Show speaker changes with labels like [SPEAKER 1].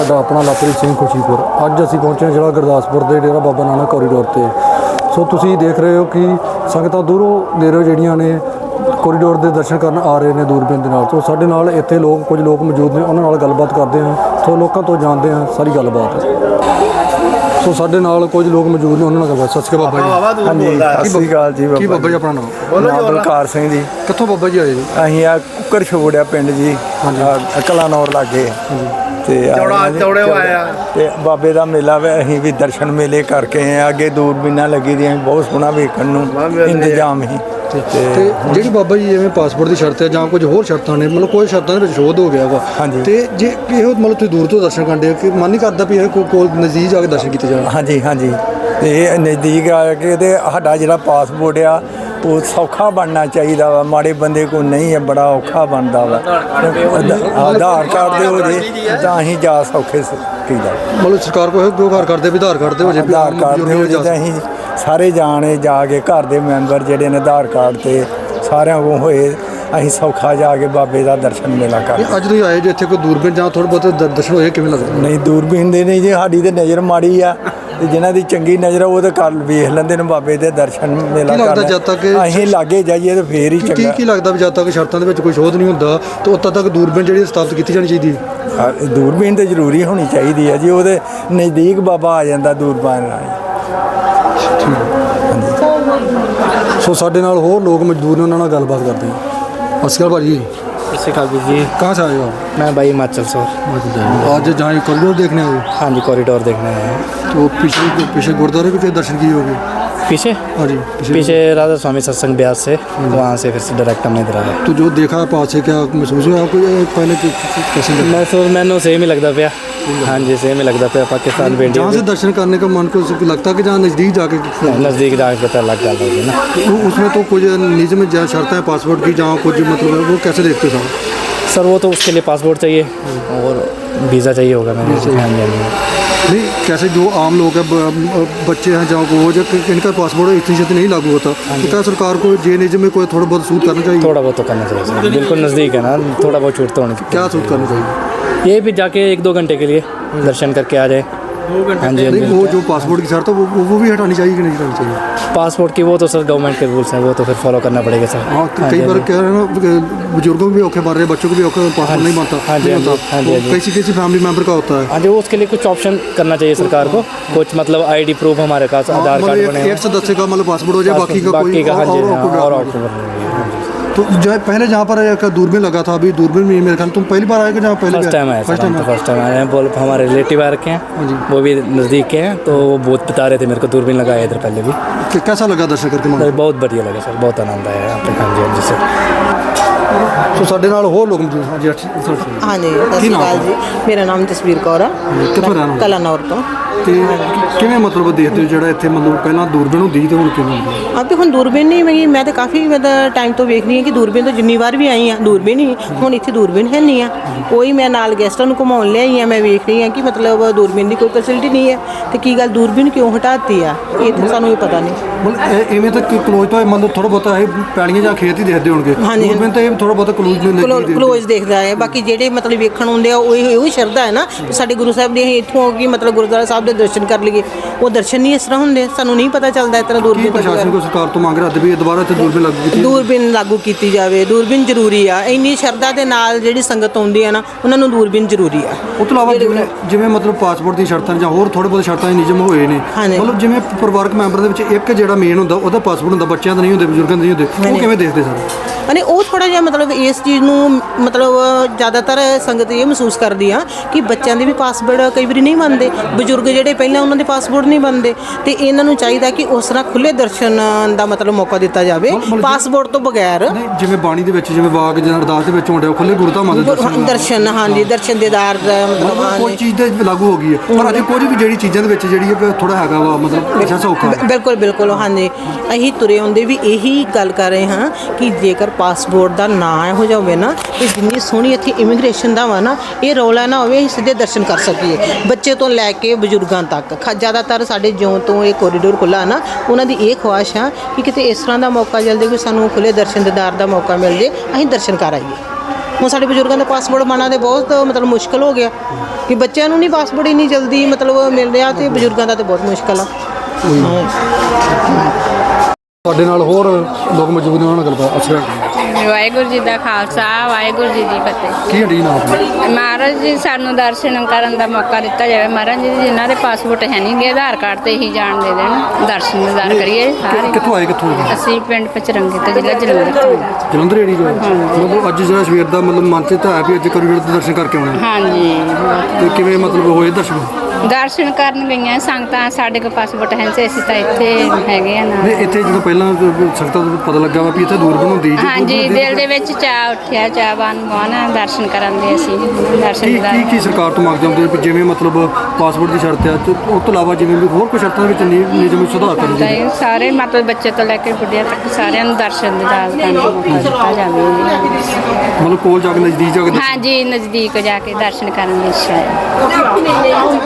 [SPEAKER 1] ਸਾਡਾ ਆਪਣਾ ਲਵਪ੍ਰੀਤ ਸਿੰਘ ਖੁਸ਼ੀਪੁਰ। ਅੱਜ ਅਸੀਂ ਪਹੁੰਚੇ ਜ਼ਿਲ੍ਹਾ ਗੁਰਦਾਸਪੁਰ ਦੇ ਡੇਰਾ ਬਾਬਾ ਨਾਨਕ ਕੋਰੀਡੋਰ ਤੇ। ਸੋ ਤੁਸੀਂ ਦੇਖ ਰਹੇ ਹੋ ਕਿ ਸੰਗਤਾਂ ਦੂਰੋਂ ਨੇੜੋਂ ਜਿਹੜੀਆਂ ਨੇ ਕੋਰੀਡੋਰ ਦੇ ਦਰਸ਼ਨ ਕਰਨ ਆ ਰਹੇ ਨੇ ਦੂਰਬੀਨ ਦੇ ਨਾਲ। ਸੋ ਸਾਡੇ ਨਾਲ ਇੱਥੇ ਕੁਝ ਲੋਕ ਮੌਜੂਦ ਨੇ, ਉਹਨਾਂ ਨਾਲ ਗੱਲਬਾਤ ਕਰਦੇ ਹਾਂ। ਸੋ ਲੋਕਾਂ ਤੋਂ ਜਾਣਦੇ ਹਾਂ ਸਾਰੀ ਗੱਲਬਾਤ। ਸੋ ਸਾਡੇ ਨਾਲ ਕੁਝ ਲੋਕ ਮੌਜੂਦ ਨੇ, ਉਹਨਾਂ ਨਾਲ ਗੱਲਬਾਤ। ਸਤਿ ਸ਼੍ਰੀ ਅਕਾਲ ਬਾਬਾ ਜੀ।
[SPEAKER 2] ਹਾਂਜੀ, ਸਤਿ ਸ਼੍ਰੀ ਅਕਾਲ ਜੀ।
[SPEAKER 1] ਕੀ ਬਾਬਾ ਜੀ ਆਪਣਾ ਨਾਮ?
[SPEAKER 2] ਬਲਕਾਰ ਸਿੰਘ ਜੀ।
[SPEAKER 1] ਕਿੱਥੋਂ ਬਾਬਾ ਜੀ ਆਏ ਜੀ?
[SPEAKER 2] ਅਸੀਂ ਆ ਕੁੱਕਰ ਛੋੜਿਆ ਪਿੰਡ ਜੀ, ਕਲਾਨੌਰ ਲਾਗੇ ਤੇ ਤੇ ਬਾਬੇ ਦਾ ਮੇਲਾ ਵੇ। ਅਸੀਂ ਵੀ ਦਰਸ਼ਨ ਮੇਲੇ ਕਰਕੇ ਆਏ। ਅੱਗੇ ਦੂਰਬੀਨਾਂ ਲੱਗੀ ਦੀਆਂ, ਬਹੁਤ ਸੋਹਣਾ ਵੇਖਣ ਨੂੰ ਇੰਤਜ਼ਾਮ ਹੀ।
[SPEAKER 1] ਤੇ ਜਿਹੜੀ ਬਾਬਾ ਜੀ ਜਿਵੇਂ ਪਾਸਪੋਰਟ ਦੀ ਸ਼ਰਤ ਹੈ ਜਾਂ ਕੁਝ ਹੋਰ ਸ਼ਰਤਾਂ ਨੇ, ਮਤਲਬ ਕੋਈ ਸ਼ਰਤਾਂ ਦੇ ਵਿੱਚ ਸ਼ੋਧ ਹੋ ਗਿਆ ਵਾ। ਤੇ ਜੇ ਇਹੋ ਮਤਲਬ ਤੁਸੀਂ ਦੂਰ ਤੋਂ ਦਰਸ਼ਨ ਕਰਦੇ ਹੋ ਕਿ ਮਨ ਨਹੀਂ ਕਰਦਾ ਵੀ ਇਹ ਕੋਲ ਨਜ਼ਦੀਕ ਜਾ ਕੇ ਦਰਸ਼ਨ ਕੀਤੇ ਜਾਣ?
[SPEAKER 2] ਹਾਂਜੀ ਹਾਂਜੀ, ਇਹ ਨਜ਼ਦੀਕ ਆ ਕੇ ਤੇ ਸਾਡਾ ਜਿਹੜਾ ਪਾਸਪੋਰਟ ਆ ਉਹ ਸੌਖਾ ਬਣਨਾ ਚਾਹੀਦਾ ਵਾ। ਮਾੜੇ ਬੰਦੇ ਕੋਲ ਨਹੀਂ ਹੈ, ਬੜਾ ਔਖਾ ਬਣਦਾ ਵਾ। ਆਧਾਰ ਕਾਰਡ ਦੇ ਹੋ ਜੇ ਤਾਂ ਅਸੀਂ ਜਾ ਸੌਖੇ ਕੀਦਾ।
[SPEAKER 1] ਮਤਲਬ ਸਰਕਾਰ ਕੋਲ ਗੁਹਾਰ ਕਰਦੇ ਵੀ ਆਧਾਰ ਕਾਰਡ ਦੇ ਹੋ ਜੇ,
[SPEAKER 2] ਆਧਾਰ ਕਾਰਡ ਦੇ ਹੋ ਜੇ ਤਾਂ ਅਸੀਂ ਸਾਰੇ ਜਾਣੇ ਜਾ ਕੇ ਘਰ ਦੇ ਮੈਂਬਰ ਜਿਹੜੇ ਨੇ ਆਧਾਰ ਕਾਰਡ ਤੇ ਸਾਰਿਆਂ ਕੋਲ ਹੋਏ, ਅਸੀਂ ਸੌਖਾ ਜਾ ਕੇ ਬਾਬੇ ਦਾ ਦਰਸ਼ਨ ਮੇਲਾ ਕਰ।
[SPEAKER 1] ਅੱਜ ਤੁਸੀਂ ਆਏ ਜੇ ਇੱਥੇ ਕੋਈ ਦੂਰਬੀਨ ਜਾਂ ਥੋੜ੍ਹੇ ਬਹੁਤ ਦਰਸ਼ਨ ਹੋਏ, ਕਿਵੇਂ ਲੱਗਦਾ?
[SPEAKER 2] ਨਹੀਂ, ਦੂਰਬੀਨ ਦੇ ਨਹੀਂ ਜੀ, ਸਾਡੀ ਤੇ ਨਜ਼ਰ ਮਾੜੀ ਆ ਤੇ ਜਿਨ੍ਹਾਂ ਦੀ ਚੰਗੀ ਨਜ਼ਰ ਆ ਉਹ ਤਾਂ ਕਰ ਵੇਖ ਲੈਂਦੇ ਨੇ ਬਾਬੇ ਦੇ ਦਰਸ਼ਨ ਮੇਲਾ ਕਰ।
[SPEAKER 1] ਜਦ ਤੱਕ
[SPEAKER 2] ਅਸੀਂ ਲਾਗੇ ਜਾਈਏ ਤਾਂ ਫੇਰ ਹੀ ਚੰਗਾ।
[SPEAKER 1] ਕੀ ਲੱਗਦਾ ਵੀ ਜਦ ਤੱਕ ਸ਼ਰਤਾਂ ਦੇ ਵਿੱਚ ਕੋਈ ਸ਼ੋਧ ਨਹੀਂ ਹੁੰਦਾ ਤਾਂ ਉਦੋਂ ਤੱਕ ਦੂਰਬੀਨ ਜਿਹੜੀ ਸਥਾਪਿਤ ਕੀਤੀ ਜਾਣੀ ਚਾਹੀਦੀ ਹੈ?
[SPEAKER 2] ਦੂਰਬੀਨ ਤਾਂ ਜ਼ਰੂਰੀ ਹੋਣੀ ਚਾਹੀਦੀ ਹੈ ਜੀ। ਉਹਦੇ ਨਜ਼ਦੀਕ ਬਾਬਾ ਆ ਜਾਂਦਾ ਦੂਰਬੀਨ ਨਾਲ।
[SPEAKER 1] ਸੋ ਸਾਡੇ ਨਾਲ ਹੋਰ ਲੋਕ ਮਜ਼ਦੂਰ ਨੇ, ਉਹਨਾਂ ਨਾਲ ਗੱਲਬਾਤ ਕਰਦੇ ਹਾਂ। ਸਤਿ ਸ਼੍ਰੀ ਅਕਾਲ ਭਾਜੀ।
[SPEAKER 3] सत श्रीकाल जी।
[SPEAKER 1] कहाँ से आए हो?
[SPEAKER 3] मैं भाई हिमाचल से।
[SPEAKER 1] आज जहाँ कॉरिडोर देखने आए?
[SPEAKER 3] हाँ जी, कॉरिडोर देखने आए हैं।
[SPEAKER 1] तो पीछे गुरुद्वारे के फिर दर्शन किए होंगे?
[SPEAKER 3] पीछे? हाँ जी, पीछे राधा स्वामी सत्संग ब्यास से, वहाँ से फिर से डायरेक्ट हमने इधर आया।
[SPEAKER 1] तो जो देखा पास से क्या महसूस हुआ आपको? पहले कैसे
[SPEAKER 3] महसूस मैंने सेम ही लगता पाया। हाँ जी, सेम ही लगता पाया। पाकिस्तान पे
[SPEAKER 1] जहाँ से दर्शन करने का मन को लगता है कि जहाँ नज़दीक जाके
[SPEAKER 3] नज़दीक जाके पता लग जाता है ना।
[SPEAKER 1] उसमें तो कुछ निजी में जहाँ शर्त है पासपोर्ट की, जहाँ कुछ मतलब वो कैसे देखते हो
[SPEAKER 3] सर? वो तो उसके लिए पासपोर्ट चाहिए और वीज़ा चाहिए होगा मैंने।
[SPEAKER 1] नहीं, कैसे जो आम लोग हैं, बच्चे हैं जहाँ को, वो जो इनका पासपोर्ट इतनी जल्दी नहीं लागू होता, तो क्या सरकार को जे निजी में कोई थोड़ा बहुत सूट करना चाहिए?
[SPEAKER 3] थोड़ा बहुत तो करना चाहिए सर, बिल्कुल नज़दीक है ना, थोड़ा बहुत छूट तो होनी चाहिए।
[SPEAKER 1] क्या सूट करना चाहिए?
[SPEAKER 3] ये भी जाके 1-2 घंटे के लिए दर्शन करके आ जाए। हाँ जी,
[SPEAKER 1] वो जो पासपोर्ट की शर्त है वो भी हटानी चाहिए कि नहीं हटानी चाहिए?
[SPEAKER 3] पासपोर्ट की वो तो सर गवर्नमेंट के रूल्स हैं, वो तो फिर फॉलो करना पड़ेगा सर।
[SPEAKER 1] हाँ, कई बार कह रहे हैं ना, बुजुर्गों को भी औखे मार रहे हैं, बच्चों को भी औखे, पासपोर्ट नहीं बनता।
[SPEAKER 3] हाँ जी,
[SPEAKER 1] किसी फैमिली मेंबर का होता है।
[SPEAKER 3] हाँ जी, उसके लिए कुछ ऑप्शन करना चाहिए सरकार को, कुछ मतलब आईडी प्रूफ हमारे पास, आधार कार्ड बने,
[SPEAKER 1] एक सदस्य का मतलब पासपोर्ट हो जाए, बाकी का
[SPEAKER 3] हाँ जी, और
[SPEAKER 1] तो जो है पहले जहाँ पर एक दूरबीन लगा था, अभी दूरबीन में मेरे ख्याल तुम पहली बार आए कि जहाँ पहले?
[SPEAKER 3] फर्स्ट टाइम आए। फर्स्ट टाइम आए हैं। बोल हमारे रिलेटिव आ रखे हैं, वो भी नज़दीक के हैं, तो वो बहुत बता रहे थे मेरे को दूरबीन लगाया इधर पहले भी।
[SPEAKER 1] कैसा लगा दर्शन करके?
[SPEAKER 3] बहुत बढ़िया लगा सर, बहुत आनंद आया यहाँ पे। हाँ जी, हाँ जी सर।
[SPEAKER 1] ਸੋ ਸਾਡੇ ਨਾਲ ਹੋਰ ਲੋਕ ਮੌਜੂਦ ਹਨ ਜੀ।
[SPEAKER 4] ਹਾਂਜੀ, ਸਤਿ ਸ਼੍ਰੀ ਅਕਾਲ ਜੀ। ਮੇਰਾ ਨਾਮ ਜਸਵੀਰ ਕੌਰ ਆ, ਕਲਾਨੌਰ ਤੋਂ।
[SPEAKER 1] ਤੇ ਕਿਵੇਂ ਮਤਲਬ ਦੇਖਦੇ ਹੋ ਜਿਹੜਾ ਇੱਥੇ ਮਤਲਬ ਪਹਿਲਾਂ ਦੂਰਬੀਨ ਹੁੰਦੀ ਸੀ ਤੇ ਹੁਣ ਕਿਵੇਂ ਹੁੰਦੀ ਹੈ?
[SPEAKER 4] ਤੇ ਹੁਣ ਦੂਰਬੀਨ ਨਹੀਂ ਹੈਗੀ। ਮੈਂ ਤਾਂ ਕਾਫੀ ਟਾਈਮ ਤੋਂ ਵੇਖ ਰਹੀ ਹਾਂ ਕਿ ਦੂਰਬੀਨ ਤੋਂ ਜਿੰਨੀ ਵਾਰ ਵੀ ਆਈ ਆ ਦੂਰਬੀਨ ਹੀ, ਹੁਣ ਇੱਥੇ ਦੂਰਬੀਨ ਹੈ ਨਹੀਂ ਆ ਕੋਈ। ਮੈਂ ਨਾਲ ਗੈਸਟਾਂ ਨੂੰ ਘੁਮਾਉਣ ਲਿਆਈ ਆ, ਮੈਂ ਵੇਖ ਰਹੀ ਹਾਂ ਕਿ ਮਤਲਬ ਦੂਰਬੀਨ ਦੀ ਕੋਈ ਫੈਸਿਲਿਟੀ ਨਹੀਂ ਹੈ। ਤੇ ਕੀ ਗੱਲ ਦੂਰਬੀਨ ਕਿਉਂ ਹਟਾਤੀ ਆ, ਇਹ ਤਾਂ ਸਾਨੂੰ ਵੀ ਪਤਾ ਨਹੀਂ।
[SPEAKER 1] ਮਤਲਬ ਇਵੇਂ ਤਾਂ ਕਲੋਜ਼ ਤੋਂ ਮਤਲਬ ਥੋੜਾ ਬਹੁਤਾ ਇਹ ਪੈਲੀਆਂ ਜਾਂ ਖੇਤ ਹੀ ਦੇਖਦੇ ਹੋਣਗੇ। ਦੂਰਬੀਨ ਤਾਂ ਇਹ ਥੋੜਾ ਬਹੁਤਾ
[SPEAKER 4] ਕਲੋਜ਼ ਦੇਖਦਾ ਹੈ। ਬਾਕੀ ਜਿਹੜੇ ਮਤਲਬ ਵੇਖਣ ਆਉਂਦੇ ਆ ਉਹ ਸ਼ਰਧਾ ਹੈ ਨਾ ਸਾਡੇ ਗੁਰੂ ਸਾਹਿਬ ਦੀ, ਅਸੀਂ ਇੱਥੋਂ ਕਿ ਮਤਲਬ ਗੁਰਦੁਆਰਾ ਸਾਹਿਬ ਦੇ ਦਰਸ਼ਨ ਕਰ ਲਈਏ। ਉਹ ਦਰਸ਼ਨ ਨਹੀਂ ਇਸ ਤਰ੍ਹਾਂ ਹੁੰਦੇ, ਸਾਨੂੰ ਨਹੀਂ ਪਤਾ ਚੱਲਦਾ ਇਸ ਤਰ੍ਹਾਂ। ਦੂਰਬੀਨ
[SPEAKER 1] ਪ੍ਰਸ਼ਾਸਨ ਕੋ ਸਰਕਾਰ ਤੋਂ ਮੰਗ ਰਿਹਾ ਵੀ ਦੁਬਾਰਾ ਇੱਥੇ ਦੂਰਬੀਨ ਲਾਗੂ ਕੀਤੀ ਜਾਵੇ। ਦੂਰਬੀਨ ਜ਼ਰੂਰੀ ਆ, ਇੰਨੀ ਸ਼ਰਧਾ ਦੇ ਨਾਲ ਜਿਹੜੀ ਸੰਗਤ ਆਉਂਦੀ ਆ ਨਾ, ਉਹਨਾਂ ਨੂੰ ਦੂਰਬੀਨ ਜ਼ਰੂਰੀ ਆ। ਉਸ ਤੋਂ ਇਲਾਵਾ ਜਿਵੇਂ ਮਤਲਬ ਪਾਸਪੋਰਟ ਦੀ ਸ਼ਰਤਾਂ ਜਾਂ ਹੋਰ ਥੋੜੇ ਬਹੁਤ ਸ਼ਰਤਾਂ ਨਿਯਮ ਹੋਏ ਨੇ, ਮਤਲਬ ਜਿਵੇਂ ਪਰਿਵਾਰਕ ਮੈਂਬਰ ਦੇ ਵਿੱਚ ਇੱਕ ਜਿਹੜਾ ਮੇਨ ਹੁੰਦਾ ਉਹਦਾ ਪਾਸਪੋਰਟ ਹੁੰਦਾ, ਬੱਚਿਆਂ ਦਾ ਨਹੀਂ ਹੁੰਦੇ, ਬਜ਼ੁਰਗਾਂ ਦੇ ਨਹੀਂ ਹੁੰਦੇ, ਉਹ ਕਿਵੇਂ ਦੇਖਦੇ ਸਰ?
[SPEAKER 4] ਅਨੇ ਉਹ ਥੋੜ੍ਹਾ ਜਿਹਾ ਮਤਲਬ ਇਸ ਚੀਜ਼ ਨੂੰ ਮਤਲਬ ਜ਼ਿਆਦਾਤਰ ਸੰਗਤ ਇਹ ਮਹਿਸੂਸ ਕਰਦੀ ਆ ਕਿ ਬੱਚਿਆਂ ਦੇ ਵੀ ਪਾਸਪੋਰਟ ਕਈ ਵਾਰੀ ਨਹੀਂ ਬਣਦੇ, ਬਜ਼ੁਰਗ ਜਿਹੜੇ ਪਹਿਲਾਂ ਉਹਨਾਂ ਦੇ ਪਾਸਪੋਰਟ ਨਹੀਂ ਬਣਦੇ, ਤੇ ਇਹਨਾਂ ਨੂੰ ਚਾਹੀਦਾ ਕਿ ਉਸ ਤਰ੍ਹਾਂ ਖੁੱਲ੍ਹੇ ਦਰਸ਼ਨ ਦਾ ਮਤਲਬ ਮੌਕਾ ਦਿੱਤਾ ਜਾਵੇ ਪਾਸਪੋਰਟ ਤੋਂ ਬਗੈਰ।
[SPEAKER 1] ਜਿਵੇਂ ਬਾਣੀ ਦੇ ਵਿੱਚ ਜਿਵੇਂ ਵਾਕ ਜਾਂ ਅਰਦਾਸ ਦੇ ਵਿੱਚ ਹੁੰਦੇ ਖੁੱਲ੍ਹੇ ਗੁਰਧਾਮਾਂ ਦੇ
[SPEAKER 4] ਦਰਸ਼ਨ। ਹਾਂਜੀ, ਦਰਸ਼ਨ ਦੇਦਾਰ ਮਤਲਬ
[SPEAKER 1] ਕੋਈ ਚੀਜ਼ ਤੇ ਲਾਗੂ ਹੋ ਗਈ ਹੈ, ਪਰ ਅਜੇ ਕੁਝ ਵੀ ਜਿਹੜੀ ਚੀਜ਼ਾਂ ਦੇ ਵਿੱਚ ਜਿਹੜੀ ਹੈ ਥੋੜਾ ਹੈਗਾ ਵਾ ਮਤਲਬ ਅੱਛਾ ਸੌਖਾ।
[SPEAKER 4] ਬਿਲਕੁਲ ਹਾਂਜੀ, ਅਸੀਂ ਤੁਰੇ ਆਉਂਦੇ ਵੀ ਇਹੀ ਗੱਲ ਕਰ ਰਹੇ ਹਾਂ ਕਿ ਜੇਕਰ ਪਾਸਪੋਰਟ ਦਾ ਨਾਂ ਇਹੋ ਜਿਹਾ ਹੋਵੇ ਨਾ, ਤੇ ਜਿੰਨੀ ਸੋਹਣੀ ਇੱਥੇ ਇਮੀਗ੍ਰੇਸ਼ਨ ਦਾ ਵਾ ਨਾ, ਇਹ ਰੌਲਾ ਨਾ ਹੋਵੇ, ਅਸੀਂ ਸਿੱਧੇ ਦਰਸ਼ਨ ਕਰ ਸਕੀਏ ਬੱਚੇ ਤੋਂ ਲੈ ਕੇ ਬਜ਼ੁਰਗਾਂ ਤੱਕ। ਜ਼ਿਆਦਾਤਰ ਸਾਡੇ ਜਿਉਂ ਤੋਂ ਇਹ ਕੋਰੀਡੋਰ ਖੁੱਲ੍ਹਾ ਨਾ, ਉਹਨਾਂ ਦੀ ਇਹ ਖੁਆਇਸ਼ ਆ ਕਿ ਕਿਤੇ ਇਸ ਤਰ੍ਹਾਂ ਦਾ ਮੌਕਾ ਜਲਦੀ ਕੋਈ ਸਾਨੂੰ ਖੁੱਲ੍ਹੇ ਦਰਸ਼ਨ ਦੀਦਾਰ ਦਾ ਮੌਕਾ ਮਿਲ ਜੇ, ਅਸੀਂ ਦਰਸ਼ਨ ਕਰ ਆਈਏ। ਹੁਣ ਸਾਡੇ ਬਜ਼ੁਰਗਾਂ ਦਾ ਪਾਸਪੋਰਟ ਬਣਨਾ ਤੇ ਬਹੁਤ ਮਤਲਬ ਮੁਸ਼ਕਿਲ ਹੋ ਗਿਆ। ਕਿ ਬੱਚਿਆਂ ਨੂੰ ਨਹੀਂ ਪਾਸਪੋਰਟ ਇੰਨੀ ਜਲਦੀ ਮਤਲਬ ਮਿਲ ਰਿਹਾ ਤੇ ਬਜ਼ੁਰਗਾਂ ਦਾ ਤੇ ਬਹੁਤ ਮੁਸ਼ਕਲ ਆ।
[SPEAKER 1] ਤੁਹਾਡੇ ਨਾਲ ਹੋਰ ਲੋਕ ਮੌਜੂਦ ਨੇ, ਉਹਨਾਂ ਨਾਲ ਗੱਲਬਾਤ ਅਸਰ
[SPEAKER 5] ਵਾਹਿਗੁਰੂ ਜੀ ਦਾ ਖਾਲਸਾ ਵਾਹਿਗੁਰੂ ਜੀ ਦੀ ਫਤਿਹ।
[SPEAKER 1] ਕੀ ਹੱਡੀ ਨਾਮ ਆਪਣਾ?
[SPEAKER 5] ਮਹਾਰਾਜ ਜੀ ਸਾਨੂੰ ਦਰਸ਼ਨ ਕਰਨ ਦਾ ਮੌਕਾ ਦਿੱਤਾ ਜਾਵੇ। ਮਹਾਰਾਜ ਜੀ ਜਿਨ੍ਹਾਂ ਦੇ ਪਾਸਪੋਰਟ ਹੈ ਨਹੀਂ ਗੇ, ਆਧਾਰ ਕਾਰਡ ਤੇ ਹੀ ਜਾਣ ਦੇ ਦੇਣ, ਦਰਸ਼ਨ ਦਿਦਾਰ ਕਰੀਏ ਸਾਰੇ।
[SPEAKER 1] ਕਿੱਥੋਂ ਆਏ ਕਿੱਥੋਂ?
[SPEAKER 5] ਅਸੀਂ ਪਿੰਡ ਪਚਰੰਗੇ ਤੋਂ, ਜ਼ਿਲ੍ਹਾ ਜਲੰਧਰ ਤੋਂ।
[SPEAKER 1] ਜਲੰਧਰ ਏੜੀ ਜੋ ਮਤਲਬ ਅੱਜ ਜਿਹੜਾ ਸਵੇਰ ਦਾ ਮਤਲਬ ਮਨ 'ਚ ਤਾਂ ਹੈ ਵੀ ਅੱਜ ਕੋਰੀਡੋਰ ਦੇ ਦਰਸ਼ਨ ਕਰਕੇ ਆਉਣਾ,
[SPEAKER 5] ਹਾਂਜੀ,
[SPEAKER 1] ਤੇ ਕਿਵੇਂ ਮਤਲਬ ਹੋਏ ਦਰਸ਼ਨ?
[SPEAKER 5] ਦਰਸ਼ਨ ਕਰਨ ਗਈਆਂ ਸੰਗਤਾਂ। ਸਾਡੇ ਕੋਲ ਪਾਸਪੋਰਟ ਹੈ ਨਹੀਂ, ਅਸੀਂ ਤਾਂ ਇੱਥੇ ਹੈਗੇ ਆ
[SPEAKER 1] ਨਹੀਂ
[SPEAKER 5] ਨਾਲ।
[SPEAKER 1] ਇੱਥੇ ਜਦੋਂ ਪਹਿਲਾਂ ਸੰਗਤਾਂ ਨੂੰ ਪਤਾ ਲੱਗਾ ਵਾ ਵੀ ਇੱਥੇ ਦੂਰ ਬਣਾਉਂਦੀ
[SPEAKER 5] ਹਾਂਜੀ, ਦਿਲ ਦੇ ਵਿੱਚ ਚਾਅ ਉੱਠਿਆ, ਚਾਹਵਾਨ ਬਣਾ ਦਰਸ਼ਨ ਕਰਨ ਦੇ। ਅਸੀਂ ਦਰਸ਼ਨ
[SPEAKER 1] ਕੀ
[SPEAKER 5] ਦਿਦਾਰ
[SPEAKER 1] ਕੀ ਸਰਕਾਰ ਤੋਂ ਮੰਗ ਜਾਂਦੇ ਵੀ ਜਿਵੇਂ ਮਤਲਬ ਪਾਸਪੋਰਟ ਦੀ ਸ਼ਰਤ ਹੈ ਤੇ ਉਸ ਤੋਂ ਇਲਾਵਾ ਜਿਵੇਂ ਵੀ ਹੋਰ ਕੋਈ ਸ਼ਰਤਾਂ ਦੇ ਵਿੱਚ ਨਿਯਮ ਵਿੱਚ ਸੁਧਾਰ ਕਰਨ ਦੀ?
[SPEAKER 5] ਤਾਂ ਸਾਰੇ ਮਤਲਬ ਬੱਚੇ ਤੋਂ ਲੈ ਕੇ ਬੁੱਢਿਆਂ ਤੱਕ ਸਾਰਿਆਂ ਨੂੰ ਦਰਸ਼ਨ ਦਿਦਾਰ ਕਰਨ ਦਾ ਮੌਕਾ ਦਿੱਤਾ ਜਾਵੇ।
[SPEAKER 1] ਮਤਲਬ ਕੋਲ ਜਾ ਕੇ ਨਜ਼ਦੀਕ ਜਾ ਕੇ
[SPEAKER 5] ਹਾਂਜੀ, ਨਜ਼ਦੀਕ ਜਾ ਕੇ ਦਰਸ਼ਨ ਕਰਨ ਦੀ ਇੱਛਾ ਹੈ।